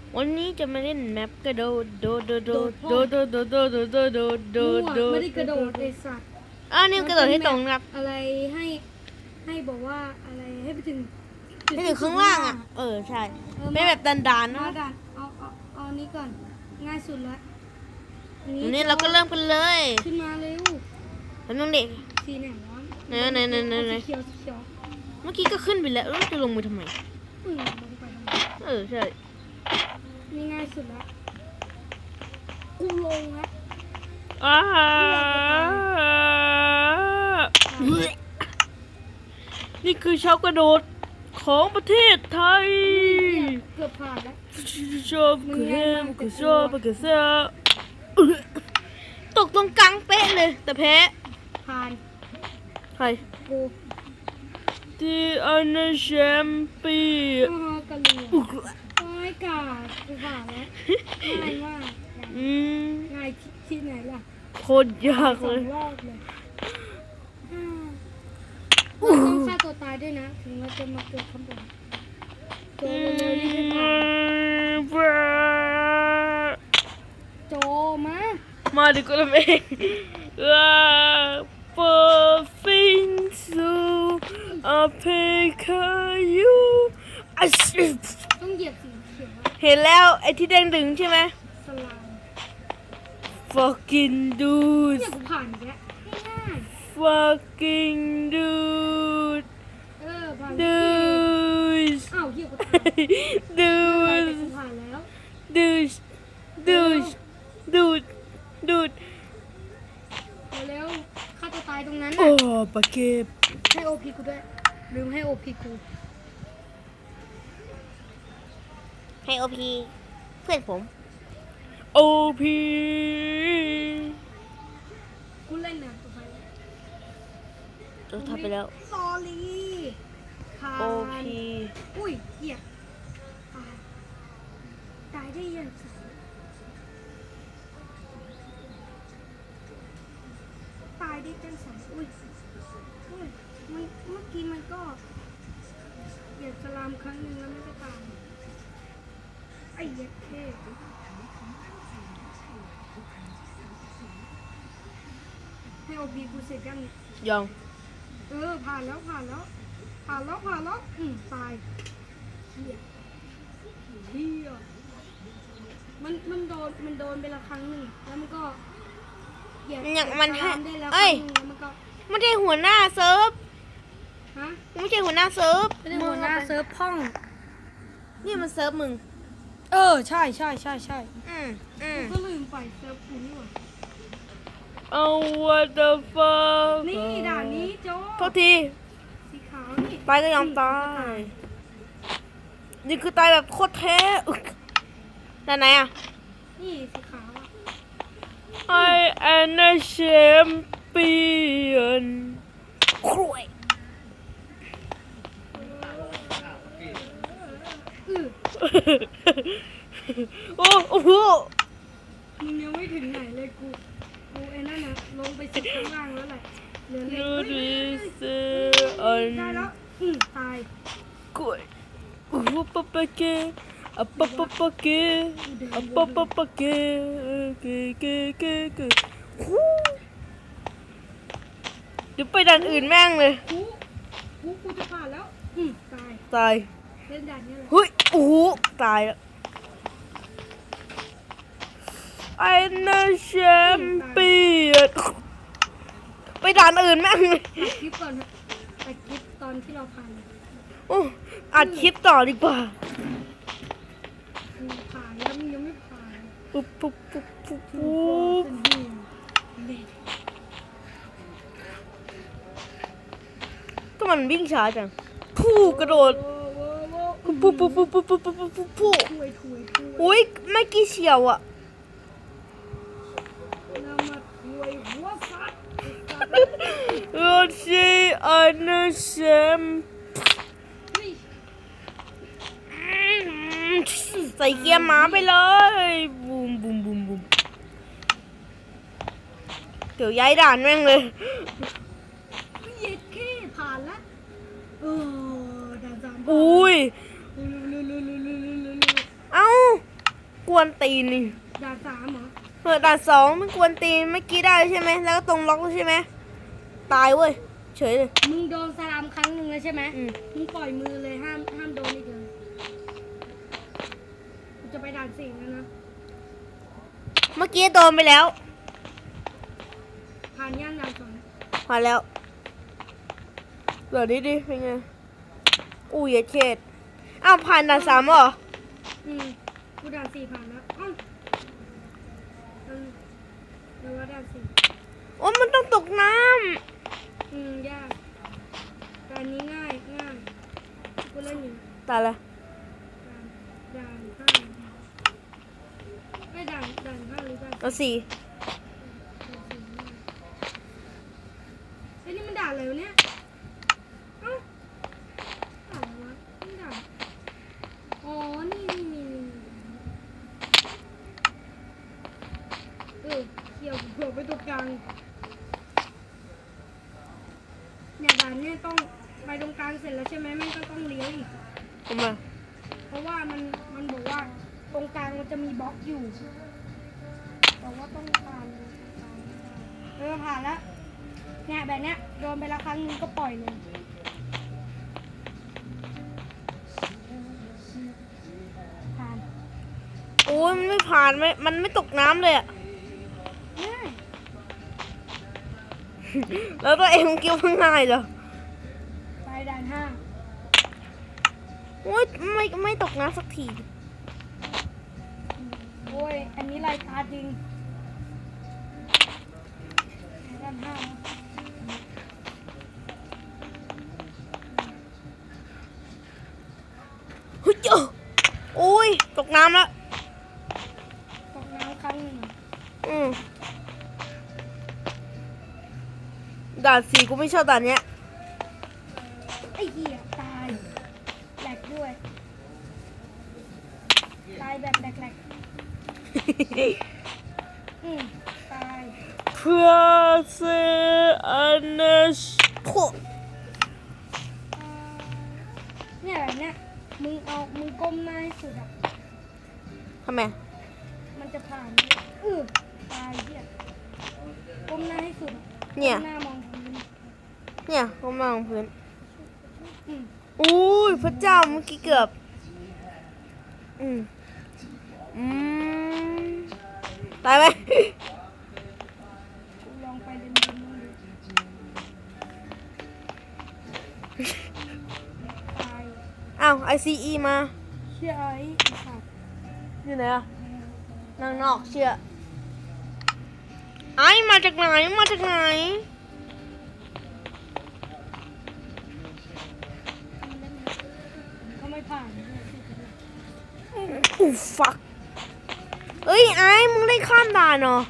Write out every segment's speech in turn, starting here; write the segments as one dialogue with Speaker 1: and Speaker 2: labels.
Speaker 1: วันนี้จะมาเล่นแมปกระโดดโดดโดดโดดโดดโดดโดดโดดโดดโดดโดดโดดโดด
Speaker 2: ไม่ได้กระโดดไอสัตว์
Speaker 1: นี่กระโดดให้ตรงครับ
Speaker 2: อะไรให้บอกว่าอะไรให้ไปถึง
Speaker 1: ให้ถึงข้างล่างอ่ะใช่เป็นแบบดันๆ
Speaker 2: มา
Speaker 1: นะ
Speaker 2: ดันเอานี้ก่อนง่ายสุดละ
Speaker 1: วันนี้เราก็เริ่มกันเลย
Speaker 2: ขึ้นมาเร็ว
Speaker 1: แล้วน้องเด็ก
Speaker 2: สีไหนวะ
Speaker 1: ไหน
Speaker 2: สีเขียว
Speaker 1: เมื่อกี้ก็ขึ้นไปแล้วแล้วจะลงไปทำไม
Speaker 2: ลงไปทำไม
Speaker 1: ใช่
Speaker 2: นี่ง่ายสุดละกูลงละ
Speaker 1: นี่คือชาวกระโดดของประเทศไทย
Speaker 2: เกือบผ่านแล้ว
Speaker 1: ชอบคือแฮมคือชอบคือเซาตกตรงกลางเป๊ะเลยแต่แพ้
Speaker 2: ผ่าน
Speaker 1: ใคร
Speaker 2: กู
Speaker 1: ที่อันนั้นแชมเปี้ยน
Speaker 2: กระเหลี่ยงไม่กาดกูผ่านแล้วง่ายมากง่ายที่ไหนล่ะ
Speaker 1: โคตรยาก
Speaker 2: ส
Speaker 1: เล
Speaker 2: อง
Speaker 1: ย
Speaker 2: รอบเลยเราต้องฆ่าตัวตายด้วยนะ ถึงเราจะมาเกิดข้างบนเกิดเร็วๆนี่ไม่ผ่านโจมา
Speaker 1: ดีกว่าเองเปิดฟินซูอาเพคายู
Speaker 2: ต้องเหยียบสีเขียว
Speaker 1: เห็นแล้วไอ้ที่แดงดึงใช่ไหม
Speaker 2: สลาม
Speaker 1: fucking dude
Speaker 2: เนี่ยกูผ่านอีกแล้วง่าย
Speaker 1: fucking dude
Speaker 2: ผ่าน
Speaker 1: dude
Speaker 2: อ้าวเหี้ยกูตาย
Speaker 1: dude
Speaker 2: กูผ่านแล้ว
Speaker 1: dude dude dude dude
Speaker 2: เร็วฆ่าตัวตายตรงนั้น
Speaker 1: โอ้
Speaker 2: น่ะ
Speaker 1: ปะเก็บ
Speaker 2: ให้โอพีกูด้วยลืมให้โอพีกู
Speaker 1: ให้โอพีเพื่อนผม OP
Speaker 2: กูเล่นนะตัวไป
Speaker 1: ทำไปแล้ว
Speaker 2: สอรี่ผ่าน
Speaker 1: OP
Speaker 2: อุ้ยเหี้ยตายได้ยังไงตายได้จังสันอุ้ยมันเมื่อกี้มันก็เหยียบสลามครั้งหนึ่งแล้วไม่ได้ตายไอ้เหี้ยเท่ให้โอพีกูเสร็จยังเนี่ย
Speaker 1: ยัง
Speaker 2: ผ่านแล้วตายเหี้ยมันโดนไปละครั้งหนึ่งแล้วมันก็เหยียบ
Speaker 1: อย่างมันให้
Speaker 2: สลามได้แล้วค
Speaker 1: เอ้
Speaker 2: รั้
Speaker 1: ย
Speaker 2: งหนึ่งแล้วมันก็
Speaker 1: ไม่ใช่หัวหน้าเซิร์ฟ
Speaker 2: ฮะ
Speaker 1: ไม่ใช่หัวหน้าเซิร์ฟ
Speaker 2: ไม่ได้หัวหน้าเซิร์ฟพ่อง
Speaker 1: นี่มันเซิร์ฟมึง
Speaker 2: ใช่ ก็ลืมไปเซิร์ฟกูนี่หว่า
Speaker 1: what the fuck
Speaker 2: นี่ด่านนี้โจ
Speaker 1: โทษที
Speaker 2: สีขาวนี่
Speaker 1: ตายก็ยอมตาย นี่คือตายแบบโคตรแท้อึกแต่ไหนอ่ะ
Speaker 2: นี่สีขาวอ่ะ
Speaker 1: I am a champion ครวย โอ้โห
Speaker 2: มึงยังไม่ถึงไหนเลยกูไอ้นั่นน่ะลงไปสุดข้างล่างแล้วแหละเหลือเล็ก
Speaker 1: ดูดิเซอ
Speaker 2: ได้
Speaker 1: น
Speaker 2: แล้วตาย
Speaker 1: กล้วยโอ้โหปะปะเกะอะปะปะปะเกะอะปะปะปะเกะเกะเกะเกะเกะฮู้เดี๋ยวไปด่านอื่นแม่งเลย
Speaker 2: กูจะผ่านแล้วตาย
Speaker 1: ตาย
Speaker 2: เล่นด่านนี้แหละ
Speaker 1: เฮ้ยโอ้โหตายแล้วไอ้น่าแชมเปี้ยนไปด่านอื่นแม่งเลย
Speaker 2: ตัดคลิปก่อนตัดคลิปตอนที่เราผ่าน
Speaker 1: โอ้อัดคลิปต่อดีกว่า
Speaker 2: ผ่านแล้วมึงยังไม่ผ่าน
Speaker 1: ปุ๊บปุ๊บปุ๊บปุ๊บ
Speaker 2: ถู
Speaker 1: ปุ๊
Speaker 2: ก
Speaker 1: บ
Speaker 2: เป็นดี
Speaker 1: ก็มันวิ่งช้าจังผู้กระโดดปุ๊บปุ๊บปุ๊บปุ๊บปุ๊บปุ๊บปุ๊บปุ๊บปุ๊บ
Speaker 2: ถุย
Speaker 1: อุ้ยไม่กี่เฉียวอ่ะ
Speaker 2: แล้วมาถุยหัวสัตว์
Speaker 1: เราใช้อันนั้นแชมใส่เกียร์หมาไปเลยบูมบูมบูมบูมเดี๋ยวย้ายด่านแม่งเลย
Speaker 2: เย็ดแค่ผ่านละด่านสาม
Speaker 1: อุ้ย เอ้ากวนตีนนี่
Speaker 2: ด่าน3เหรอ
Speaker 1: ด่านสองมันกวนตีนเมื่อกี้ได้ใช่ไหมแล้วก็ตรงล็อกใช่ไหมตายเว้ยเฉยเลย
Speaker 2: มึงโดนสลามครั้งหนึ่งเลยใช่ไหม
Speaker 1: อืม
Speaker 2: มึงปล่อยมือเลยห้ามโดนอีกเลยกูจะไปด่าน4แล้วนะ
Speaker 1: เมื่อกี้โดนไปแล้ว
Speaker 2: ผ่านย่านด่าน2
Speaker 1: ผ่านแล้วเหลือดิเป็นไงอุ้ยอย่าเขตอ้าวผ่านด่าน3เหรอ
Speaker 2: กูด่าน4ผ่านแล้วอ้าวเดี๋ยวว่าด่าน4
Speaker 1: โอ้มันต้องตกน้
Speaker 2: ยากด่านนี้ง่ายกูเล่นอยู่
Speaker 1: ำตายละ
Speaker 2: ด่าน5ไม่ด่าน5หรือด่าน
Speaker 1: เอาสี่
Speaker 2: ไอ้นี่มันด่านอะไรวะเนี่ยเอ้าด่านอะไรวะนี่ด่านอ๋อนี่เขี่ยวหัวไปตรงกลางเนี่ยด่านเนี่ยต้องไปตรงกลางเสร็จแล้วใช่ไหมแม่งก็ต้องเลี้ยวอีก
Speaker 1: ทำไม
Speaker 2: เพราะว่ามันบอกว่าตรงกลางมันจะมีบล็อกอยู่แต่ว่าต้องผ่านผ่านแล้วเนี่ยแบบเนี้ยโดนไปละครั้งนึงก็ปล่อยเลยผ่าน
Speaker 1: โอ้ยมันไม่ผ่านมันไม่ตกน้ำเลยอะ
Speaker 2: ง่าย
Speaker 1: แล้วตัวเองคิดว่าง่ายเหรอ
Speaker 2: ไปด่าน5
Speaker 1: โอ้ยไม่ตกน้ำสักที
Speaker 2: โอ้ยอันนี้รายการจริงด่าน5
Speaker 1: เฮ้ยเจ้าโอ้ยตกน้ำแล้ว
Speaker 2: ตกน้ำครั้งหนึ่ง
Speaker 1: ด่าน4กูไม่ชอบด่านเนี้ย
Speaker 2: ไอ้เหี้ยตายแหลกด้วยตายแบบแหลกตาย
Speaker 1: เพื่อเซอันเนชโค
Speaker 2: เนี่ยแบบเนี้ยมึงก้มหน้าให้สุดอ่ะ
Speaker 1: ทำไม
Speaker 2: มันจะผ่านตายเหี้ยก้มหน้าให้สุดอะ
Speaker 1: เนี่ย
Speaker 2: ก้มหน้ามองพื้น
Speaker 1: เนี่ยก็มองพื้น
Speaker 2: อืม
Speaker 1: อุ้ยพระเจ้าเมื่อกี้เกือบอืมตายไหม
Speaker 2: กูลองไปเดินๆมึงดูตาย
Speaker 1: อ้าว ICE มา
Speaker 2: เชื่อไอ้สัตว์
Speaker 1: อยู่ไหนอะนั่งนอกเชื่อไอ้มาจากไหนมาจากไหน
Speaker 2: ก็ไม่ผ่าน
Speaker 1: อู้ฟักเอ้ยไอ้มึงได้ข้ามด่านเหรอ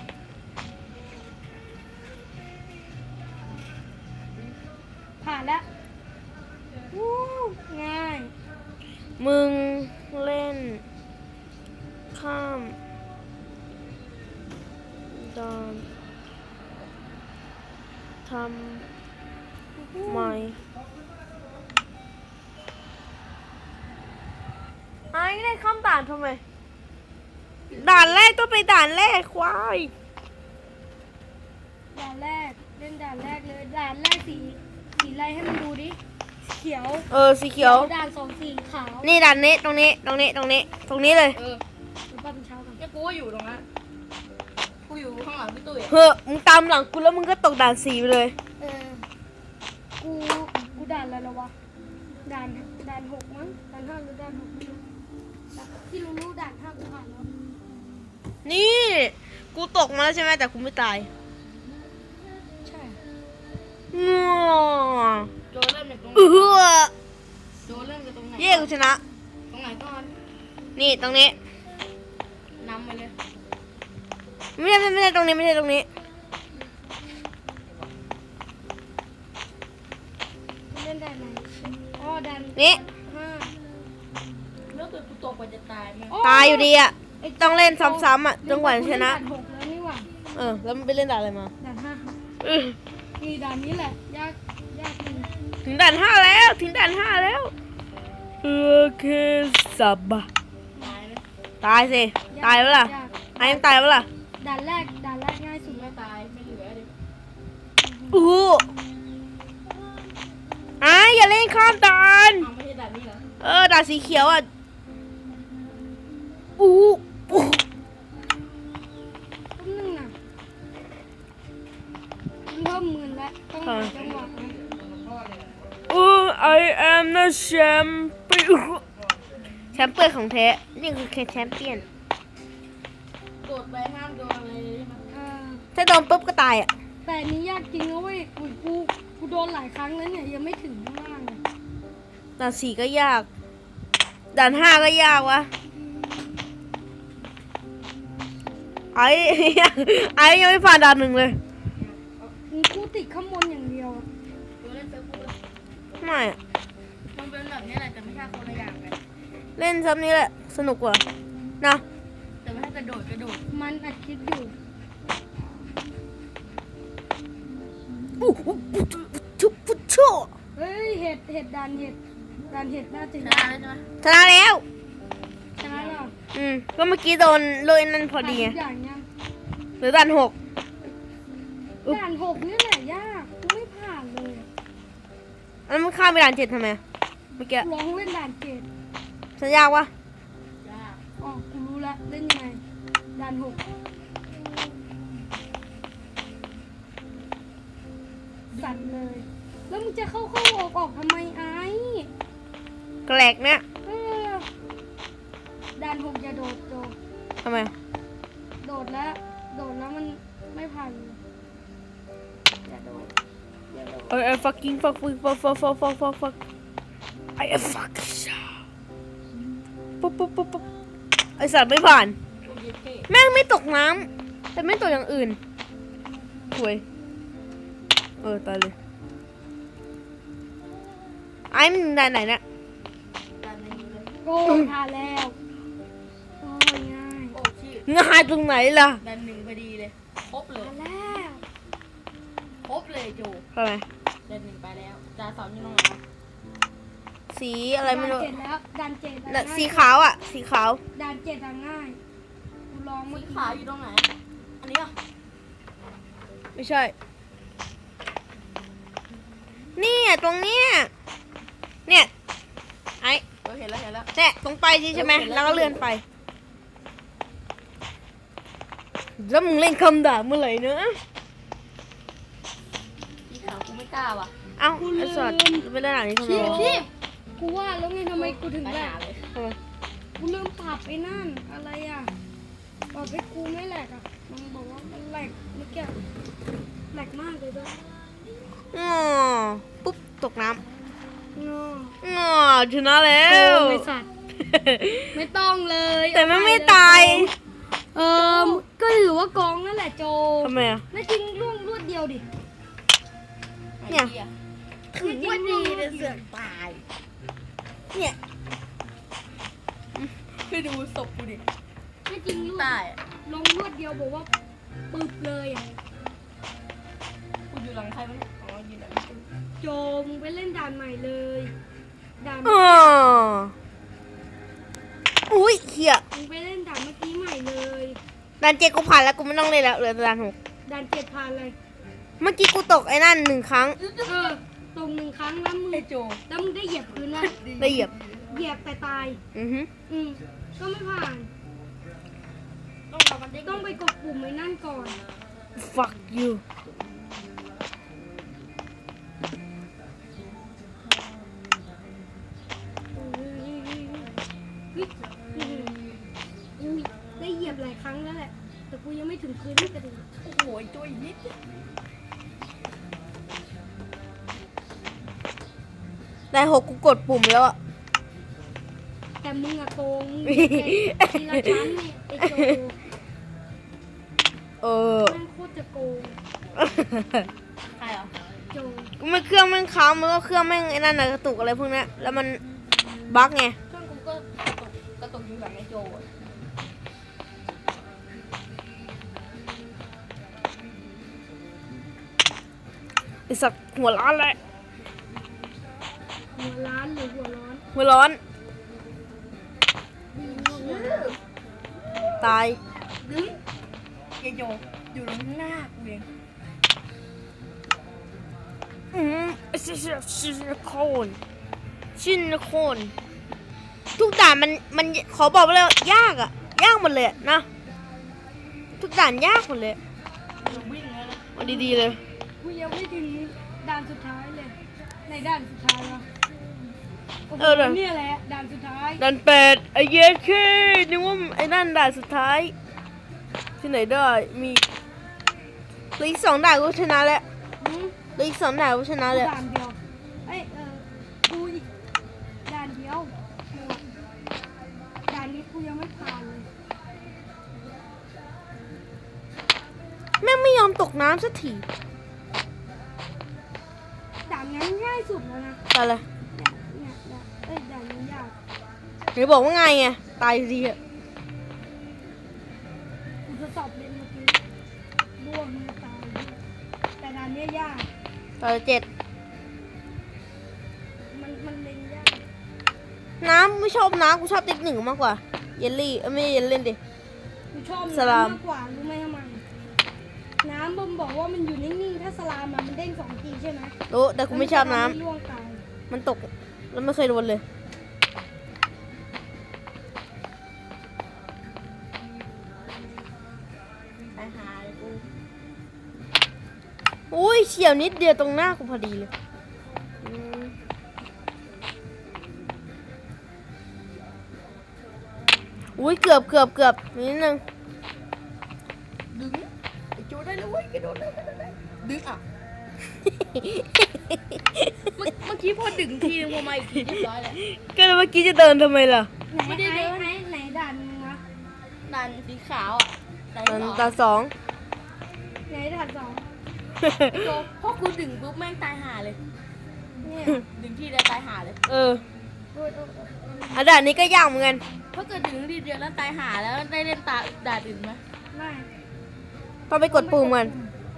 Speaker 2: ผ่านแล้ววู้ง่าย
Speaker 1: มึงเล่นข้ามด่านทำไมไอ้ได้ข้ามด่านทำไมด่านแรกต้องไปด่านแรกควาย
Speaker 2: ด่านแรกเล่นด่านแรกเลยด่านแรกสีอะไรให้มันดูดิเขียว
Speaker 1: สีเขียว
Speaker 2: ด่าน2สีขาว
Speaker 1: นี่ด่านนี้ตรงนี้เลย
Speaker 2: หรือป้าเป็นเช้ากัน
Speaker 3: เนี่ยกูก็อยู่ตรงนั้นกูอยู่ข้างหลังพี่ตุ้ยอะ
Speaker 1: เฮ้อมึงตามหลังกูแล้วมึงก็ตกด่าน4ไปเลย
Speaker 2: กูด่านอะไรแล้ววะด่าน6มั้งด่าน5หรือด่าน6ไม่รู้ที่รู้ด่าน5กูผ่านแล้ว
Speaker 1: นี่กูตกมาแล้วใช่ไหมแต่กูไม่ตาย
Speaker 2: ใช่
Speaker 1: งัว
Speaker 3: โจเริ่มจากตรงไหน โจเริ่มจากตรงไหน
Speaker 1: เย้กูชนะ
Speaker 3: ตรงไหนก่อน
Speaker 1: นี่ตรงนี้
Speaker 3: นำไปเลย
Speaker 1: ไม่ใช่ตรงนี้ไม่ใช่ตรงนี้
Speaker 2: เล่นด่านไหนอ๋อด่าน
Speaker 1: นี่
Speaker 2: 5
Speaker 3: แล้วเกิดกูตกไปจะตายไหม
Speaker 1: ตายอยู่ดีอ่ะต้องเล่นซ้ำๆอ่ะจนกว่าจะชนะ
Speaker 2: ด่าน6แล้วนี่หว่า
Speaker 1: แล้วมันไปเล่นด่านอะไรมา
Speaker 2: ด่าน5นี่ด่านนี้แหละยากจริง
Speaker 1: ถึงด่าน5แล้วโอเคสับบะ
Speaker 3: ตายไหม
Speaker 1: ตายสิตายแล้วล่ะ
Speaker 2: ยาก
Speaker 1: ไอ้ยังตายแล้วล่ะ
Speaker 2: ด่านแรกง่ายสุด
Speaker 3: ไม่ตายไม่เหลือดิ
Speaker 1: อู้หูอย่าเล่นข้ามด่าน
Speaker 3: เอาไม่ใช่ด่านนี้เหรอ
Speaker 1: ด่านสีเขียวอ่ะอู้หู
Speaker 2: ต้นนึงน่ะเริ่มมึนแล้วต้องหาจังหวะนะ
Speaker 1: I am the champion แชมเปี้ยนของแท้นี่คือแชมเปี้ยน
Speaker 3: โดดไปห้ามโดนอะไรเลยใช่ไหม
Speaker 2: อ่า
Speaker 1: ถ้าโดนปุ๊บก็ตายอ่ะ
Speaker 2: แต่อันนี้ยากจริงนะเว้ยกูโดนหลายครั้งแล้วเนี่ยยังไม่ถึงข้างล่างเลย
Speaker 1: ด่าน4ก็ยาก ด่าน5ก็ยากวะไอ้ ยังไม่ผ่านด่าน1เลย
Speaker 2: กูติดข้างบนอย่างเดียวอะ
Speaker 3: โดนเล่นเฟซบุ๊กเลย
Speaker 1: ไม่อะ
Speaker 3: มันเป็นแบบนี้แหละแต่ไม่ใช่คนละอย่างกัน
Speaker 1: เล่นซับนี้แหละสนุกกว่านะ
Speaker 3: แต่ไม่ใช่กระโดด
Speaker 2: มันอัดคลิปอยู่
Speaker 1: ชุบพุชโช
Speaker 2: เฮ้ยเห็ดด่านเห็ดน่าจะ
Speaker 3: ชนะแล้วใช่ไหม
Speaker 1: ชนะแล้ว
Speaker 2: ชนะแล้ว
Speaker 1: ก็เมื่อกี้โดนโรยนั่นพอดี
Speaker 2: ผ่าน
Speaker 1: ไง
Speaker 2: ทุกอย่างยัง
Speaker 1: หรือด่าน6
Speaker 2: ด่าน6นี่แหละยากกูไม่ผ่านเลย
Speaker 1: แล้วมันข้ามไปด่าน7ทำไมเมื่อกี้
Speaker 2: ลองเล่นด่านเจ็ด
Speaker 1: ฉันยากวะ
Speaker 3: ยาก
Speaker 2: อ๋อกูรู้ละเล่นยังไงด่าน6สัตว์เลย แล้วมึงจะเข้าออกทำไมไอ้
Speaker 1: แกลกเนี่ย
Speaker 2: เออด่าน6อย่าโดดโจ
Speaker 1: ทำไม
Speaker 2: โดดแล้วมันไม่ผ่านเลยอย่าโดด
Speaker 1: I fucking fuck I am fucking shot ปุ๊บไอสัตว์ไม่ผ่าน
Speaker 3: พวกเย็ดเท่
Speaker 1: แม่งไม่ตกน้ำแต่ไม่ตกอย่างอื่นห่วยตายเลยไอ้มันด่านไหนเนี่ย
Speaker 3: ด่านนี้เลย
Speaker 2: โอ้ผ่านแล้วโอ้ยง่าย
Speaker 3: โอ้ชื่อ
Speaker 1: ง่ายตรงไหนล่ะ
Speaker 3: ด่าน1พอดีเลยครบเลย
Speaker 2: ผ่านแล้ว
Speaker 3: ครบเลยโจ
Speaker 1: ทำไม
Speaker 3: ด่าน1ไปแล้วด่าน2อยู่ตรงไหนวะ
Speaker 1: สีอะไรไม่รู้
Speaker 2: ด่านเจ็ดแล้วด่านเจ็ด
Speaker 1: น่ะสีขาวอ่ะสีขาว
Speaker 2: ด่านเจ็ดอะง่ายกูลองเมื่อ
Speaker 3: สี
Speaker 2: กี้
Speaker 3: ขาวอยู่ตรงไหนอันนี้อ่ะ
Speaker 1: ไม่ใช่นี่ตรงเนี้ยเนี่ยไอ้
Speaker 3: เห็นแล้ว
Speaker 1: เนี่ยตรงไปใช่ไหมแล้วก็เลื่อนไปแล้วมึงเล่นคำด่าเมื่อไหร่เนอะ
Speaker 3: สีขาวกูไม่กล้าว่ะ
Speaker 1: เอ้าไอ้สัตว์ไปเล่นอะไรนี่ทำไมวะ
Speaker 3: ชีพ
Speaker 2: กูว่าแล้วไงทำไมกูถึง
Speaker 3: ไป
Speaker 2: แหล
Speaker 3: หาก เลย
Speaker 1: ทำไม
Speaker 2: กูลืมปรับไอ้นั่นอะไรอ่ะปรับให้กูไม่แหลกอ่ะมันบอกว่ามันแหลกเมื่อกี้แหลกมากเลยด้วย
Speaker 1: อ๋อปุ๊บตกน้
Speaker 2: งอ
Speaker 1: ำอ๋อชนะแล้
Speaker 2: โอ้
Speaker 1: ว
Speaker 2: ไม่สัตว์ไม่ต้องเลย
Speaker 1: แต่มันไม่ตาย
Speaker 2: ก็ถือว่ากองนั่นแหละโจ
Speaker 1: ทำไมอ่ะ
Speaker 2: ไม่จริงร่วงรวดเดียวดิ
Speaker 1: เนี่ย
Speaker 2: ถือว่าดีเลยเสือก
Speaker 3: ตาย
Speaker 1: เนี่ย
Speaker 3: ไปดูศพกูดิ
Speaker 2: ไม่จริงรวด
Speaker 3: ตายอ่ะ
Speaker 2: ลงรวดเดียวบอกว่าปึบเลยอ่ะ
Speaker 3: กูอยู่หลังใครวะเนี่ยอ๋ออยู่หลังกู
Speaker 2: โจมึงไปเล่นด่านใหม่เลยด่าน
Speaker 1: อ๋ออุ้ยเหี้ย
Speaker 2: มึงไปเล่นด่านเมื่อกี้ใหม่เลย
Speaker 1: ด่าน7กูผ่านแล้วกูไม่ต้องเล่นแล้วเหลือแต่ด่าน6
Speaker 2: ด่านเจ็ดผ่านเลย
Speaker 1: เมื่อกี้กูตกไอ้นั่น1 ครั้ง
Speaker 2: ตรง1 ครั้งแล้วมึง
Speaker 3: ไอ้โจ
Speaker 2: แล้วมึงได้เหยียบพื้นว่า
Speaker 1: ได้เหยียบ
Speaker 2: เหยียบแต่ตาย
Speaker 1: อือฮึ
Speaker 2: ก็ไม่ผ่าน
Speaker 3: ต้องทำมันได้
Speaker 2: ต้องไปกดปุ่มไอ้นั่นก่อน
Speaker 1: fuck you
Speaker 2: ได้เหยียบหลายครั้งแล้วแหละ แต่กูยังไม่ถึงพื้นที่กระดิ่ง
Speaker 3: โอ้โหไอ้โจอีกนิดเดียว
Speaker 1: ได้6กูกดปุ่มแล้วอ่ะ
Speaker 2: แต่มึงอะโกงมึงแต่ทีละชั้นเนี่ยไอ้โจ แม่งโคตรจะโกง
Speaker 3: ใครเหรอ
Speaker 2: โจ
Speaker 1: กูไม่เครื่องแม่งค้างแล้วก็เครื่องแม่งไอ้นั่นน่ะกระตุกอะไรพวกเนี้ยแล้วมันบั๊กไง
Speaker 3: เครื่องกูก็กระตุกอยู่หลังไอ้โจอะ
Speaker 1: ไอสัตว์หัวร้อนเลย
Speaker 2: หัวร้านหรือหัวร้อน
Speaker 1: หัวร้อน
Speaker 2: ดีมากหัวร้อน
Speaker 1: ตาย
Speaker 3: ดึงอย่าโยกอยู่ตรงข้างหน้ากูเอง
Speaker 1: ชินโคนทุกด่านมันขอบอกไปเลยยากอะยากหมดเลยอะนะทุกด่านยากหมดเลย
Speaker 3: เราวิ่งแล้วนะ
Speaker 1: เอาดีๆเลย
Speaker 2: กูยังไม่ถึงด่านสุดท้ายเลย ในด่านสุดท้ายวะโอ้โหเนี่ยแหละด่านสุดท้าย
Speaker 1: ด่านแปดไอเยสเคนึกว่าไอ้นั่นด่านสุดท้าย ที่ไหนได้มีเหลืออีก2 ด่านก็ชนะแล้ว
Speaker 2: หืม
Speaker 1: เหลืออีก2 ด่านก็ชนะแล้ว
Speaker 2: ด่านเดียวกูอีกด่านเดียวด่านนี้กูยังไม่ผ่านเลย
Speaker 1: แม่งไม่ยอมตกน้ำสักที
Speaker 2: ด่านนั้นง่ายสุดแล้วนะ
Speaker 1: ตายเลย
Speaker 2: เนี่ยด่านนี้ยาก
Speaker 1: ไหนบอกว่าไงไงตายดีอะ
Speaker 2: กูทดสอบเล่นเมื่อกี้ร่วงมือตายแต่ด่านเนี้ยยาก
Speaker 1: ตาย7
Speaker 2: มันเล่นยาก
Speaker 1: น้ำไม่ชอบน้ำกูชอบติ๊ก1มากกว่าเยลลี่ไม่ใช่เยลเล่นดิ
Speaker 2: กูชอบ
Speaker 1: สลาม
Speaker 2: น้ำมากกว่ารู้ไหมทำไมน้ำบอมบอกว่ามันอยู่นิ่งๆถ้าสลามมันเด้ง2 ทีใช่ไหม
Speaker 1: รู้แต่กูไม่ชอบน้ำ
Speaker 2: แล้วมัจะทำให้ร่วงตาย
Speaker 1: มันตกแล้วไม่เคยโดนเลย
Speaker 3: ไปหาเลยกู
Speaker 1: อุ้ยเฉียวนิดเดียวตรงหน้ากูพอดีเลยอืมอุ้ยเกือบนิดนึง
Speaker 3: ดึงไอ้โจได้แล้วเว้ยกระโดดได้ดึงอ่ะเมื่อกี้พอดึงทีนึงพอมาอีกทีเรียบร้อยแล้ว
Speaker 1: ก็เมื่อกี้จะเดินทำไมล่ะ
Speaker 3: ไม่ได้เดิน
Speaker 2: ไหนด่านนึงวะ
Speaker 3: ดันสีขาวอ่ะดัน
Speaker 1: มัน
Speaker 3: สอง
Speaker 1: ตาสอง
Speaker 2: ไหนด่าน2
Speaker 3: โจพอกูดึงปุ๊บแม่งตายห่าเลย
Speaker 2: เนี่ย
Speaker 3: ดึงทีเดียวตายห่าเลย
Speaker 1: เออ
Speaker 2: โอ้ย
Speaker 1: อันด่านนี้ก็ยากเหมือนกัน
Speaker 3: ถ้าเกิดดึงทีเดียวแล้วตายห่าแล้วได้เล่นตาด่าอื่นไหม
Speaker 2: ไม่
Speaker 1: ต้องไปกดปุ่มกัน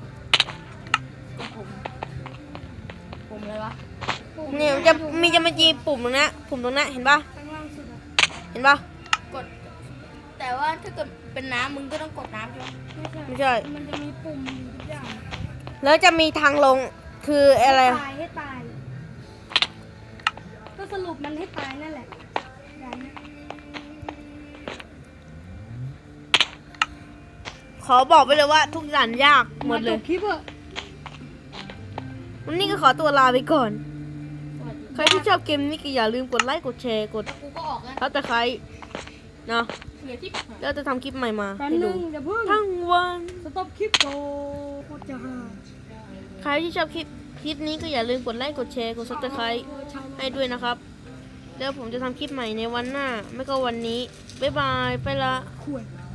Speaker 3: ผมอะไรวะ
Speaker 1: เนี่ยมันจะมาจีปุ่มตรงนั้นปุ่มตรงนั้นเห็นปะ
Speaker 2: ข้างล่างสุดอะ
Speaker 1: เห็นปะ
Speaker 3: กด แต่ว่าถ้าเกิดเป็นน้ำมึงก็ต้องกดน้ำใช่ไหม
Speaker 1: ไม่ใช่
Speaker 2: มันจะมีปุ่มอยู่ทุกอย่าง
Speaker 1: แล้วจะมีทางลงคืออะไร
Speaker 2: ให้ตายก็สรุปมันให้ตายนั่นแหละด่านเนี้ย
Speaker 1: ขอบอกไปเลยว่าทุกด่านยากหมดเล
Speaker 2: จ
Speaker 1: ย
Speaker 2: บคลิปอะ
Speaker 1: วันนี้ก็ขอตัวลาไปก่อน
Speaker 3: สวัสดี
Speaker 1: ใครที่ชอบเกมนี้ก็อย่าลืมกดไลค์กดแชร์กด
Speaker 3: กูก็ออกแล้ว
Speaker 1: ทับตะไคร้เนาะ
Speaker 3: เหลือที่
Speaker 1: แล้วจะทำคลิปใหม่มา
Speaker 2: แป๊บ
Speaker 1: ให้
Speaker 2: นึ
Speaker 1: ดู
Speaker 2: งเดี๋ยวเพิ่ง
Speaker 1: ทั้งวัน
Speaker 2: สต็อปคลิปโตโคตรจะหา
Speaker 1: ใครที่ชอบคลิปนี้ก็อย่าลืมกดไลค์กดแชร์กดซับสไครต์ให้ด้วยนะครับ แล้วผมจะทำคลิปใหม่ในวันหน้า ไม่ก็วันนี้บ๊ายบายไปละ
Speaker 2: ขวด